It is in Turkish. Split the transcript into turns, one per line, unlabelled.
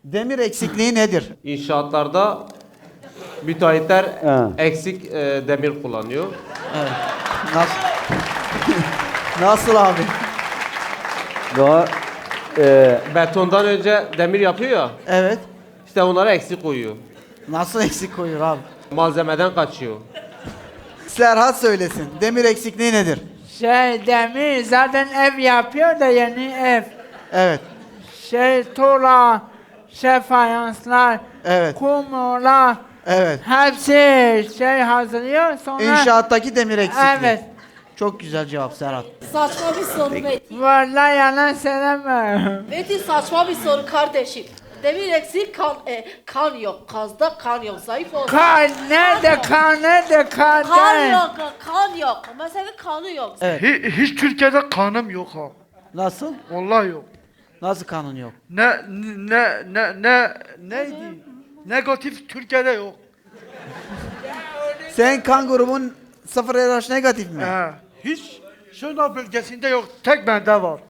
Demir eksikliği nedir?
İnşaatlarda müteahhitler
Ha.
eksik demir kullanıyor.
Evet. Nasıl? Nasıl abi?
Daha
Betondan önce demir yapıyor ya,
Evet.
işte onlara eksik koyuyor.
Nasıl eksik koyuyor abi?
Malzemeden kaçıyor.
Serhat söylesin. Demir eksikliği nedir?
Demir zaten ev yapıyor da yeni ev.
Evet.
Tuğla, fayanslar,
Evet.
kumlar,
Evet.
hepsi hazırlıyor sonra...
İnşaattaki demir eksikliği.
Evet.
Çok güzel cevap Serhat.
Saçma bir soru Metin.
Vallahi yalan söyleme.
Metin saçma bir soru kardeşim. Demir eksik kan yok. Kazda kan yok. Zayıf olsun.
Kan nerede kan nerede kan?
Kan yok. Kan yok. Mesela kanı yok.
Evet.
Hiç Türkiye'de kanım yok ha.
Nasıl?
Vallahi yok.
Nasıl kanun yok?
Neydi? Negatif Türkiye'de yok.
Sen kan grubun 0 RH negatif mi?
Hiç Şırnak bölgesinde yok. Tek bende var.